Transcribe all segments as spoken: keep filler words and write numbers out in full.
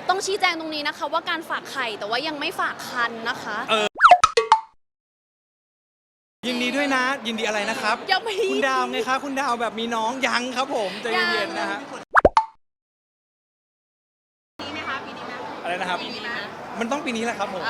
ต้องชี้แจงตรงนี้นะคะว่าการฝากไข่แต่ว่ายังไม่ฝากคันนะคะเออยินดีด้วยนะยินดีอะไรนะครับยังไม่คุณดาวไงคะคุณดาวแบบมีน้องยังครับผมใจเย็นๆนะฮะปีนี้ไหมคะปีนี้ไหมอะไรนะครับปีนี้ไหมมันต้องปีนี้แหละครับผม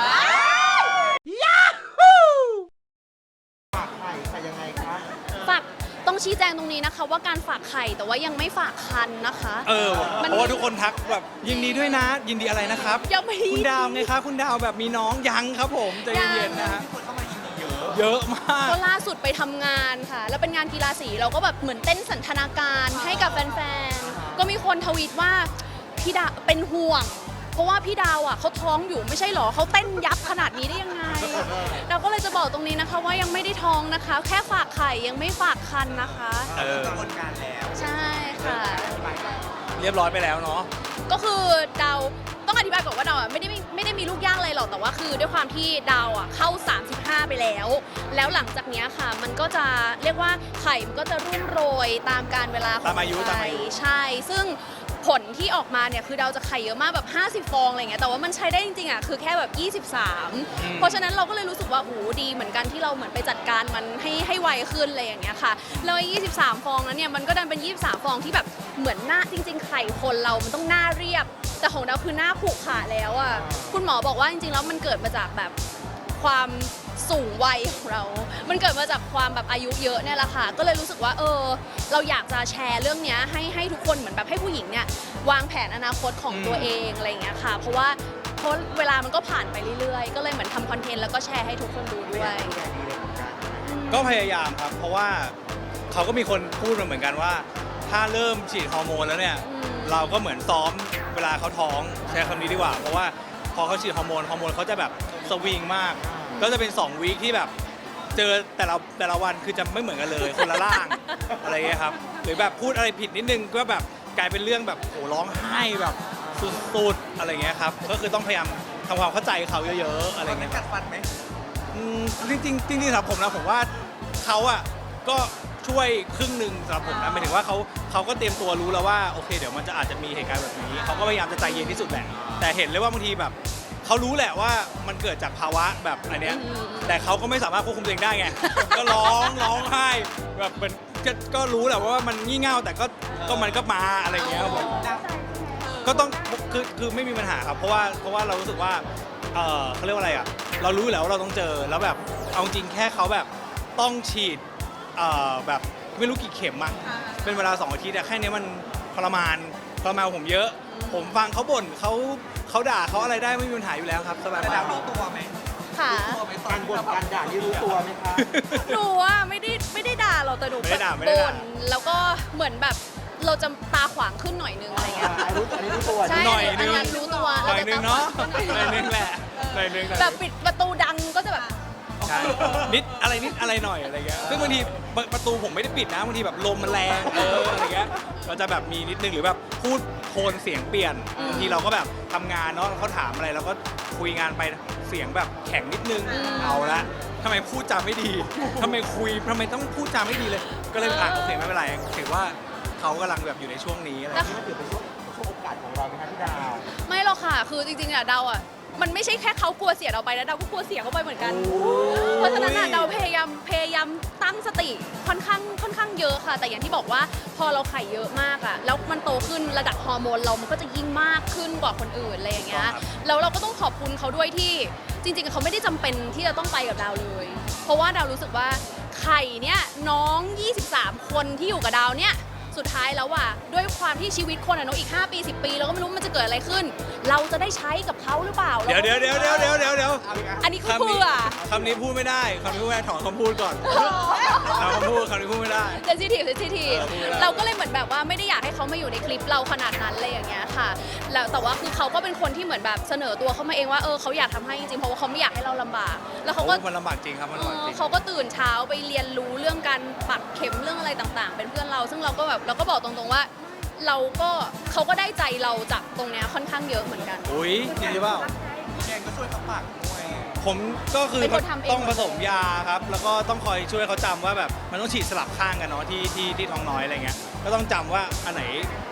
ฝากไข่ใส่ยังไงครับฝากต้องชี้แจงตรงนี้นะคะว่าการฝากไข่แต่ว่ายังไม่ฝากคันนะคะเออเพราะว่าทุกคนทักแบบยินดีด้วยนะยินดีอะไรนะครับยังไม่คุณดาวไงคะคุณดาวแบบมีน้องยังครับผมใจเย็นๆนะฮะเยอะมากก็ล่าสุดไปทำงานค่ะแล้วเป็นงานกีฬาสีเราก็แบบเหมือนเต้นสันทนาการให้กับแฟนๆก็มีคนทวีตว่าพี่ดาวเป็นห่วงเพราะว่าพี่ดาวอ่ะเขาท้องอยู่ไม่ใช่หรอเขาเต้นยับขนาดนี้ได้ยังไงเราก็เลยจะบอกตรงนี้นะคะว่ายังไม่ได้ท้องนะคะแค่ฝากไข่ยังไม่ฝากคันนะคะเออกระบวนการแล้วใช่ค่ะเรียบร้อยไปแล้วเนาะก็คือดาวต้องอธิบายก่อนว่าดาวอ่ะไม่ได้ไม่ได้มีลูกยากอะไรหรอกแต่ว่าคือด้วยความที่ดาวอ่ะเข้าสามสิบห้าไปแล้วแล้วหลังจากนี้ค่ะมันก็จะเรียกว่าไข่มันก็จะรุ่งโรยตามการเวลาของไข่ใช่ซึ่งผลที่ออกมาเนี่ยคือดาวจะไข่เยอะมากแบบห้าสิบฟองอะไรเงี้ยแต่ว่ามันใช้ได้จริงๆอ่ะคือแค่แบบยี่สิบสามเพราะฉะนั้นเราก็เลยรู้สึกว่าโอ้ดีเหมือนกันที่เราเหมือนไปจัดการมันให้ให้ไวขึ้นอะไรอย่างเงี้ยค่ะแล้วยี่สิบสามฟองนั้นเนี่ยมันก็ดันเป็นยี่สิบสามฟองที่แบบเหมือนหน้าจริงๆไข่คนเรามันต้องหน้าเรียบแต่ของดาวคือหน้าผุขาแล้วอ่ะคุณหมอบอกว่าจริงๆแล้วมันเกิดมาจากแบบความสูงวัยของเรา มันเกิดมาจากความแบบอายุเยอะเนี่ยแหละค่ะ ก็เลยรู้สึกว่าเออเราอยากจะแชร์เรื่องนี้ให้ให้ทุกคนเหมือนแบบให้ผู้หญิงเนี่ยวางแผนอนาคตของตัวเองอะไรอย่างเงี้ยค่ะ เพราะว่าเพราะเวลามันก็ผ่านไปเรื่อยๆ ก็เลยเหมือนทำคอนเทนต์แล้วก็แชร์ให้ทุกคนดูด้วยก็พยายามครับเพราะว่าเขาก็มีคนพูดมาเหมือนกันว่าถ้าเริ่มฉีดฮอร์โมนแล้วเนี่ยเราก็เหมือนซ้อมเวลาเขาท้องใช้คำนี้ดีกว่าเพราะว่าพอเขาฉีดฮอร์โมนฮอร์โมนเขาจะแบบสวิงมากก็จะเป็นสองวีคที่แบบเจอแต่ละแต่ละวันคือจะไม่เหมือนกันเลยคนละร่างอะไรเงี้ยครับหรือแบบพูดอะไรผิดนิดนึงก็แบบกลายเป็นเรื่องแบบโหร้องไห้แบบสุดๆอะไรเงี้ยครับก็คือต้องพยายามทำความเข้าใจเขาเยอะๆอะไรเงี้ยกัดฟันไหมจริงๆจริงๆสำหรับผมนะผมว่าเขาอ่ะก็ช่วยครึ่งหนึ่งสำหรับผมนะหมายถึงว่าเขาเขาก็เตรียมตัวรู้แล้วว่าโอเคเดี๋ยวมันจะอาจจะมีเหตุการณ์แบบนี้เขาก็พยายามจะใจเย็นที่สุดแหละแต่เห็นเลยว่าบางทีแบบเขารู้แหละว่ามันเกิดจากภาวะแบบอันเนี้ยแต่เขาก็ไม่สามารถควบคุมตัวเองได้ไงก็ร้องร้องไห้แบบเป็นก็รู้แหละว่ามันงี่เง่าแต่ก็ก็มันก็มาอะไรเงี้ยครับผมก็ต้องคือคือไม่มีปัญหาครับเพราะว่าเพราะว่าเรารู้สึกว่าเออเขาเรียกว่าอะไรอ่ะเรารู้แล้วว่าเราต้องเจอแล้วแบบเอาจริงแค่เขาแบบต้องฉีดเอ่อแบบไม่รู้กี่เข็มอะเป็นเวลาสองอาทิตย์อะแค่นี้มันทรมานทรมานผมเยอะผมฟังเขาบ่นเขาเขาด่าเขาอะไรได้ไม่มีปัญหาอยู่แล้วครับสบายมากรู้ตัวไหมค่ะการบ่นการด่านี่รู้ตัวไหมคะหนูอ่ะไม่ได้ไม่ได้ด่าเราแต่หนูบ่นแล้วก็เหมือนแบบเราจะตาขวางขึ้นหน่อยนึงอะไรเงี้ยรู้อันนี้รู้ตัวใช่หน่อยนึงรู้ตัวหน่อยนึงเนาะหน่อยนึงแหละหน่อยนึงแบบปิดประตูดังก็จะแบบใช่นิดอะไรนิดอะไรหน่อยอะไรเงี้ยซึ่งบางทีประตูผมไม่ได้ปิดนะบางทีแบบลมมันแรงเอออะไรเงี้ยเราจะแบบมีนิดนึงหรือแบบพูดโทนเสียงเปลี่ยนบางทีเราก็แบบทำงานเนาะเขาถามอะไรเราก็คุยงานไปเสียงแบบแข็งนิดนึงเอาละทำไมพูดจาไม่ดีทำไมคุยทำไมต้องพูดจาไม่ดีเลยก็เลยอ่ะโอเคไม่เป็นไรถือว่าเขากำลังแบบอยู่ในช่วงนี้อะไรนี่ถือเป็นช่วงช่วงโอกาสของเราไหมคะพี่ดาวไม่หรอกค่ะคือจริงๆอะดาวอะมันไม่ใช่แค่เขากลัวเสียเราไปนะดาวก็กลัวเสียเขาไปเหมือนกันเพราะฉะนั้นอะดาวพยายามพยายามตั้งสติค่อนข้างค่อนข้างเยอะค่ะแต่อย่างที่บอกว่าพอเราไข่เยอะมากอะแล้วมันโตขึ้นระดับฮอร์โมนเรามันก็จะยิ่งมากขึ้นกว่าคนอื่นอะไรอย่างเงี้ยแล้วเราก็ต้องขอบคุณเขาด้วยที่จริงๆเขาไม่ได้จำเป็นที่จะต้องไปกับดาวเลยเพราะว่าดาวรู้สึกว่าไข่เนี่ยน้องยี่สิบสามคนที่อยู่กับดาวเนี่ยสุดท้ายแล้วว่ะด้วยความที่ชีวิตคนอะเนาะอีกห้าปีสิบปีเราก็ไม่รู้มันจะเกิดอะไรขึ้นเราจะได้ใช้กับเขาหรือเปล่าเดี๋ยวเดี๋ยวเดี๋ยวเดี๋ยวเดี๋ยวเดี๋ยวเดี๋ยวอันนี้คือเพื่อคำนี้พูดไม่ได้คำนี้พูดไม่ได้ถอนคำพูดก่อนถอนคำพูดคำนี้พูดไม่ได้เซนซิทีฟเซนซิทีฟเราก็เลยเหมือนแบบว่าไม่ได้อยากให้เขามาอยู่ในคลิปเราขนาดนั้นเลยอย่างเงี้ยค่ะแล้วแต่ว่าคือเขาก็เป็นคนที่เหมือนแบบเสนอตัวเข้ามาเองว่าเออเขาอยากทำให้จริงๆเพราะว่าเขาไม่อยากให้เราลำบากแล้วเขาก็มันลำบากจริงครับมันลำบากจริงเขาก็ตื่นเช้าไปเรียนรู้เรื่องการปักเข็มเรื่องอะไรต่างๆเป็นเพื่อนเราซึ่งเราก็แบบเราก็บอกตรงๆว่าเราก็เขาก็ได้ใจเราจากตรงเนี้ยค่อนข้างเยอะเหมือนกันอุ้ยจริงหรือเปล่าแกงก็ช่วยเขาปักด้วยผมก็คือต้องผสมยาครับแล้วก็ต้องคอยช่วยเขาจำว่าแบบมันต้องฉีดสลับข้างกันเนาะที่ที่ที่ท้องน้อยอะไรเงี้ยก็ต้องจำว่าอันไหน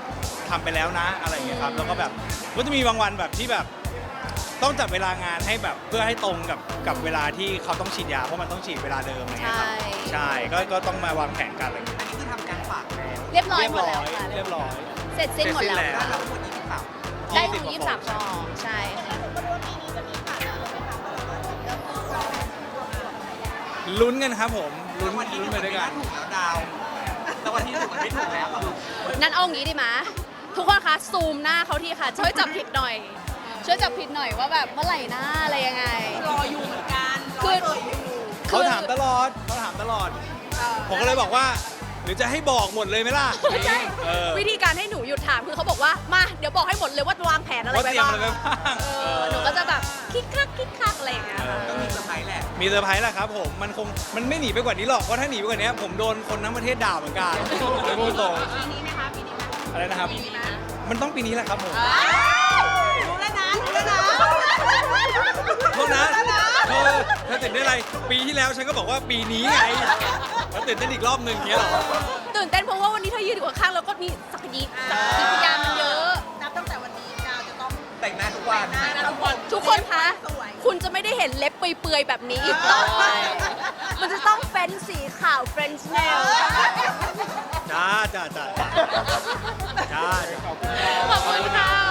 ทำไปแล้วนะอะไรอย่างเงี้ยครับแล้วก็แบบก็จะมีบางวันแบบที่แบบต้องจัดเวลางานให้แบบเพื่อให้ตรงกับกับเวลาที่เขาต้องฉีดยาเพราะมันต้องฉีดเวลาเดิมอะไรเงี้ยครับใช่ใช่ก็ก็ต้องมาวางแผนกันอะไรอย่างเงี้ยอันนี้คือทำการฝากแล้วเรียบร้อยหมดแล้วค่ะเรียบร้อยเสร็จสิ้นหมดแล้วเสร็จสิ้นแล้วค่ะเราทั้งหมดยี่สิบสามได้ถึงยี่สิบสามซองใช่ค่ะลุ้นกันครับผมลุ้นวันที่ลุ้นถูกไปมันด้วยไม่กันถูกแล้วดาวแล้ววันที่ถูกมันไม่ถูกแล้วนั้นเอางี้ดีไหมทุกคนคะซูมหน้าเขาทีค่ะ ช่วยจับผิดหน่อย ช่วยจับผิดหน่อยว่าแบบเมื่อไหร่หน้าอะไรยังไงรออยู่เหมือนกันรคือ อเอ่ยอยู่เขาถามตลอดเขาถามตลอด ผมก็เลยบอกว่า หรือจะให้บอกหมดเลยไหมล่ะไม่ใช่เออวิธีการให้หนูหยุดถามคือเขาบอกว่ามาเดี๋ยวบอกให้หมดเลยว่าวางแผนอะไรว่าไว้เตรียมบ้างอะไรไว้บ้างเออหนูก็จะแบบคิกคักคิกคักอะไรอย่างเงี้ยค่ะก็มีเซอร์ไพรส์แหละมีเซอร์ไพรส์แหละครับผม มันคง มันไม่หนีไปกว่านี้หรอก เพราะถ้าหนีไปกว่านี้ผมโดนคนทั้งประเทศด่าเหมือนกันเลยพูดตรงปีนี้ไหมคะปีนี้ไหมอะไรนะครับปีนี้ไหมมันต้องปีนี้แหละครับผมรู้แล้วนะรู้แล้วนะโทษนะเธอเธอตื่นได้นอะไร ปีที่แล้วฉันก็บอกว่าปีนี้ไงแล้วตื่นเต้นอีกรอบหนึ่งเงี้ยเหรอตื่นเต้นเพราะว่าวันนี้เธอยืนอยู่ข้างๆแล้วก็มีสักยีสักยีพยานมันเยอะนับตั้งแต่วันนี้ดาวจะต้องแต่งหน้าทุกวันหน้านะทุกคนทุกคนคะสวยคุณจะไม่ได้เห็นเล็บเปื่อยๆแบบนี้อีกต่อไป มันจะต้องเป็นสีขาวเฟรนช์เนลจ้าจ้าจ้าจ้าจ้าขอบคุณค่ะ